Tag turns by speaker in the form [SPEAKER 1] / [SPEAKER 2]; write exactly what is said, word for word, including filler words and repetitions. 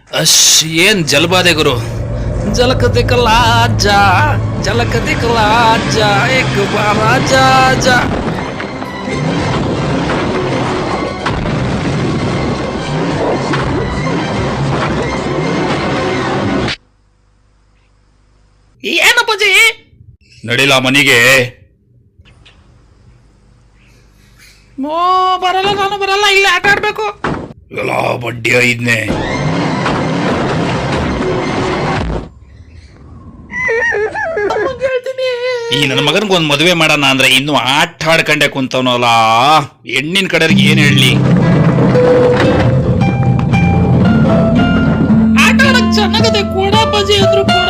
[SPEAKER 1] ಅಶ್ ಏನ್ ಜಲಬಾಧೆ ಗುರು. ಜಲಕ ದಿಕ್ಕಲ ಅಜ್ಜ, ಜಲಕ ದಿಕ್ಕಲ ಅಜ್ಜ, ಏಕ ಬಾರ ಅಜ್ಜ ಅಜ್ಜ. ಏನಪ್ಪಾಜಿ ನಡಿಲ ಮನಿಗೆ. ಓ ಬರಲ್ಲ, ನಾನು ಬರಲ್ಲ, ಇಲ್ಲಿ ಆಟ ಆಡ್ಬೇಕು. ಎಲ್ಲ ಬಡ್ಡಿ ಐದ್ನೆ. ಈ ನನ್ನ ಮಗನ್ಗೆ ಒಂದ್ ಮದುವೆ ಮಾಡೋಣ ಅಂದ್ರೆ ಇನ್ನು ಆಟ ಆಡ್ಕೊಂಡೆ ಕುಂತವನಲ್ಲ. ಹೆಣ್ಣಿನ ಕಡೆಗೆ ಏನ್ ಹೇಳಿ. ಆಟ ಆಡಕ್ ಚೆನ್ನಾಗದೆ ಕೊಡ ಬಜಿ ಅಂದ್ರು ಕೊಡ.